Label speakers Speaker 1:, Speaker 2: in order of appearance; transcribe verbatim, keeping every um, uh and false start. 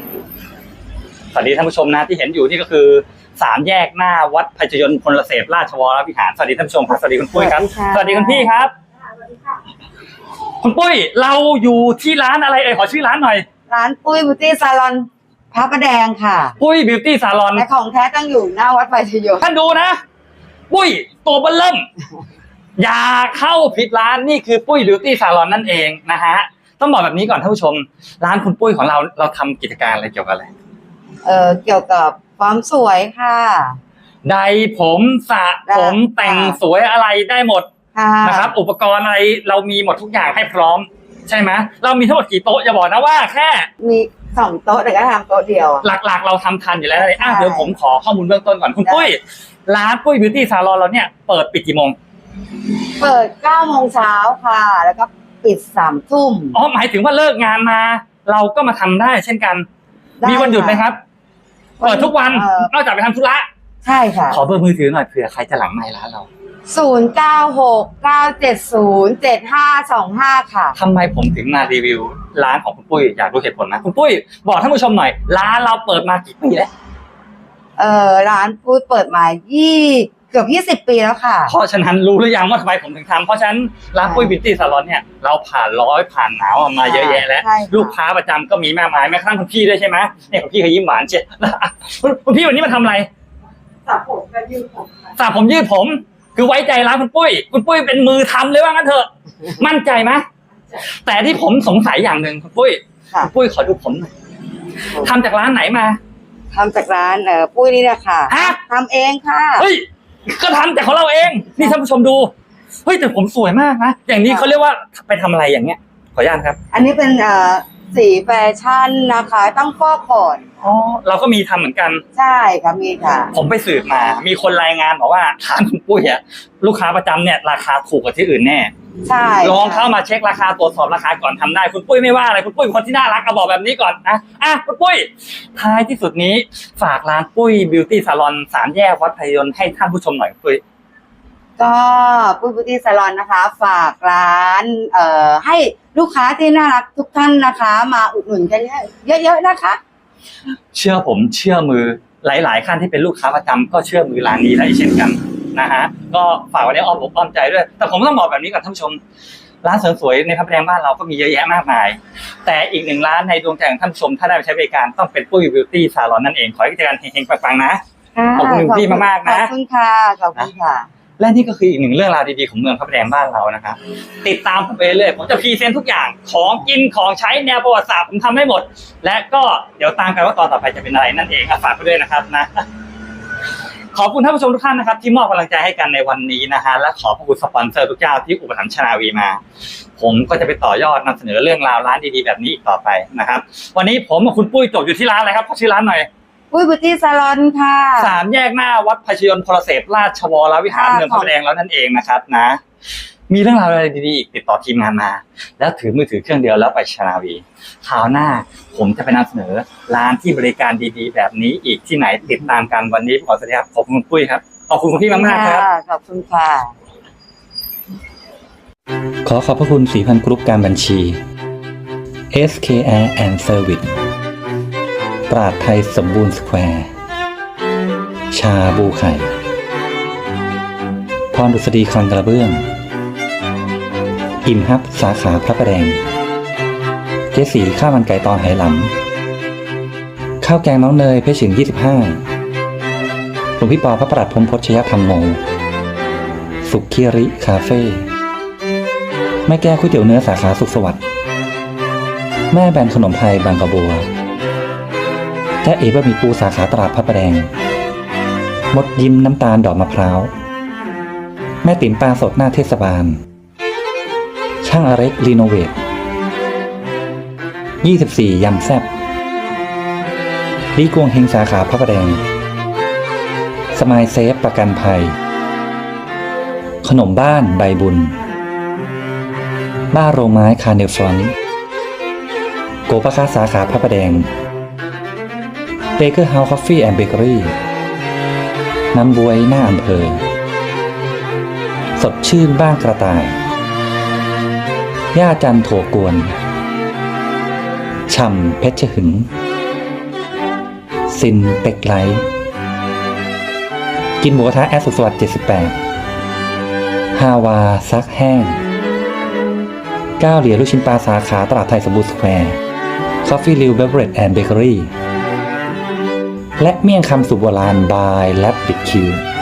Speaker 1: สวัสดีท่านผู้ชมนะที่เห็นอยู่นี่ก็คือสามแยกหน้าวัดภัยยนต์พลเสพราชวรวิหารสวัสดีท่านผู้ชมครับสวัสดีคุณปุ้ยครับสวัสดีคุณพี่ครับคุณปุ้ยเราอยู่ที่ร้านอะไรเอ่ยขอชื่อร้านหน่อย
Speaker 2: ร้านปุ้ยบิวตี้ซาลอนพระประแดงค่ะ
Speaker 1: ปุ้ยบิวตี้ซาลอน
Speaker 2: และของแท้ตั้งอยู่หน้าวัดภัยยนต์
Speaker 1: ท่านดูนะปุ้ยตัวเบิ้ลเริ่มอย่าเข้าผิดร้านนี่คือปุ้ยบิวตี้ซาลอนนั่นเองนะฮะต้องบอกแบบนี้ก่อนท่านผู้ชมร้านคุณปุ้ยของเราเราทำกิจการอะไรเกี่ยวกับอะไร
Speaker 2: เอ่อเกี่ยวกับความสวยค่ะ
Speaker 1: ใดผมสระผมแต่งสวยอะไรได้หมดนะครับอุปกรณ์อะไรเรามีหมดทุกอย่างให้พร้อมใช่ไหมเรามีทั้งหมดกี่โต๊ะอย่าบอกนะว่าแค่
Speaker 2: มีสองโต๊ะแต่ก็ทำโต๊ะเดียว
Speaker 1: หลักๆเราทำทันอยู่แล้วเลยอ่ะเดี๋ยวผมขอข้อมูลเบื้องต้นก่อนคุณปุ้ยร้านปุ้ยบิวตี้ซาลอนเราเนี่ยเปิดปิดกี่โมง
Speaker 2: เปิดเก้าโมงเช้าค่ะแล้วก็ปิดสามทุ่ม
Speaker 1: อ๋อหมายถึงว่าเลิกงานมาเราก็มาทำได้เช่นกันมีวันหยุดไหมครับเปิดทุกวันนอกจากไปทำธุระ
Speaker 2: ใช่ค่ะ
Speaker 1: ขอเบอร์มือถือหน่อยเผื่อใครจะหลังไมค์ร้านเรา
Speaker 2: ศูนย์เก้าหกเก้าเจ็ดศูนย์เจ็ดห้าสองห้าค่ะ
Speaker 1: ทำไมผมถึงมารีวิวร้านของคุณปุ้ยอยากรู้เหตุผลนะคุณปุ้ยบอกท่านผู้ชมหน่อยร้านเราเปิดมากี่ปีแล้ว
Speaker 2: เอ่อร้านปุ้ยเปิดมายี่เกือบยี่สิบปีแล้วค่ะ
Speaker 1: เพราะฉะนั้นรู้หรือยังว่าทำไมผมถึงทำเพราะฉะนั้นร้านปุ้ยบิวตี้ซาลอนเนี่ยเราผ่านร้อยผ่านหนาวมาเยอะแยะแล้วลูกค้าประจำก็มีมากมายแม้กระทั่งคุณพี่ด้วยใช่ไหมเนี่ยคุณพี่เขายิ้มหวานเชียวคุณพี่วันนี้มาทำอะไร
Speaker 2: สระผมกับยืดผม
Speaker 1: สระผมยืดผมคือไว้ใจร้านคุณปุ้ยคุณปุ้ยเป็นมือทำเลยว่างั้นเถอะมั่นใจไหมแต่ที่ผมสงสัยอย่างหนึ่งคุณปุ้ยคุณปุ้ยขอดูผมหน่อยทำจากร้านไหนมา
Speaker 2: ทำจากร้านเอ่อปุ้ยนี่แหละค่ะ
Speaker 1: ฮะ
Speaker 2: ทำเองค่ะ
Speaker 1: เฮ้ยก็ทำแต่ของเราเองนี่ท่านผู้ชมดูเฮ้ยแต่ผมสวยมากนะอย่างนี้เขาเรียกว่าไปทำอะไรอย่างเงี้ยขออนุญาตครับ
Speaker 2: อันนี้เป็นเอ่อสีแฟชั่นนะคะต้องฟอกก่อน
Speaker 1: อ๋อเราก็มีทำเหมือนกัน
Speaker 2: ใช่ค่ะมีค่ะ
Speaker 1: ผมไปสืบมามีคนรายงานบอกว่าร้านคุณปุ้ยอะลูกค้าประจำเนี่ยราคาถูกกว่าที่อื่นแน่
Speaker 2: ใช่
Speaker 1: ลองเข้ามาเช็คราคาตรวจสอบราคาก่อนทำได้คุณปุ้ยไม่ว่าอะไรคุณปุ้ยเป็นคนที่น่ารักเอาบอกแบบนี้ก่อนนะอ่ะคุณปุ้ยท้ายที่สุดนี้ฝากร้านปุ้ยบิวตี้ซาลอนสามแยกวัดภัยยนต์ให้ท่านผู้ชมหน่อยปุ้ย
Speaker 2: ก็ปุ้ยบิวตี้ซาลอนนะคะฝากร้านเอ่อให้ลูกค้าที่น่ารักทุกท่านนะคะมาอุดหนุนกันเยอะๆนะคะ
Speaker 1: เชื่อผมเชื่อมือหลายๆท่านที่เป็นลูกค้าประจำก็เชื่อมือร้านนี้ได้เช่นกันนะฮะก็ฝากไว้ในอ้อมอกอ้อมใจด้วยแต่ผมต้องบอกแบบนี้กับท่านผู้ชมร้านเสริมสวยในพระประแดงบ้านเราก็มีเยอะแยะมากมายแต่อีกหนึ่งร้านในดวงใจของท่านผู้ชมถ้าได้ไปใช้บริการต้องเป็นปุ้ยบิวตี้ซาลอนนั่นเองขอให้กิจการเฮงๆปังๆนะขอบคุณพี่มากๆนะ
Speaker 2: ขอบคุณค่ะขอบคุณค่ะ
Speaker 1: และนี่ก็คืออีกหนึ่งเรื่องราวดีๆของเมืองพระประแดงบ้านเรานะครับติดตามผมไปเรื่อยผมจะพรีเซนต์ทุกอย่างของกินของใช้แนวประวัติศาสตร์ผมทำให้หมดและก็เดี๋ยวตามกันว่าตอนต่อไปจะเป็นอะไรนั่นเองฝากไปด้วยนะครับนะขอบคุณท่านผู้ชมทุกท่านนะครับที่มอบกำลังใจให้กันในวันนี้นะฮะและขอบคุณสปอนเซอร์ทุกเจ้าที่อุปถัมภ์ชนาวีมาผมก็จะไปต่อยอดนำเสนอเรื่องราวร้านดีๆแบบนี้อีกต่อไปนะครับวันนี้ผมกับคุณปุ้ยจบอยู่ที่ร้านอะไรครับขอชื่อร้านหน่อย
Speaker 2: ปุ้ยบิวตี้ซาลอนค่ะ
Speaker 1: สามแยกหน้าวัดภัยยนต์พลเสพราชวรวิหารเมืองพระประแดงแล้วนั่นเองนะครับนะมีเรื่องราวอะไรดีๆอีกติดต่อทีมงานมาแล้วถือมือถือเครื่องเดียวแล้วไปชนาวีคราวหน้าผมจะไปนำเสนอร้านที่บริการดีๆแบบนี้อีกที่ไหนติดตามกันวันนี้ขอสวัสดีครับขอบคุณปุ้ยครับขอบคุณคุณพี่มากๆครับ
Speaker 2: ขอบคุณค่ะ
Speaker 1: ขอขอบพระคุณสีพันกรุ๊ปการบัญชี เอส เค Air and Service ตราดไทยสมบูรณ์สแควร์ชาบูไข่พรดุษฎีคลังกระเบื้องอิ่มฮับสาขาพระประแดงเจสีข้าวมันไก่ตอนไหหลำข้าวแกงน้องเนยเพชรฉิงยี่สิบห้าหลวงพี่ปอพระประหลัดพรหมพจน์ชยธรรมโมสุขเคียริคาเฟ่แม่แก้วก๋วยเตี๋ยวเนื้อสาขาสุขสวัสดิ์แม่แบนขนมไทยบางกระบัวและเอ๋บะหมี่ปูสาขาตลาดพระประแดงมดยิ้มน้ำตาลดอกมะพร้าวแม่ติ๋มปลาสดหน้าเทศบาลช่างอเล็กรีโนเวทยี่สิบสี่ยำแซ่บลีกวงเฮงสาขาพระประแดงสมายเซฟประกันภัยขนมบ้านใบบุญบ้าโรงไม้คาร์เนลฟรอนต์โกปะคาสาขาพระประแดงเบเกอร์เฮาส์คอฟฟี่แอนด์เบเกอรี่น้ำบวยหน้าอำเภอสดชื่นบ้านกระต่ายย่าจันโถกวนฉ่ำเพชรหึงซินเป็กไลท์กินหมูกระทะแอดสุขสวัสดิ์เจ็ดสิบแปดฮาวาซักแห้งก้าวเหรียญลูกชิ้นปลาสาขาตลาดไทยสมบูรณ์สแควร์คอฟฟี่ริวเบเวอเรจแอนด์เบเกอรี่และเมี่ยงคำสุโบราณบายแลบบิดคิว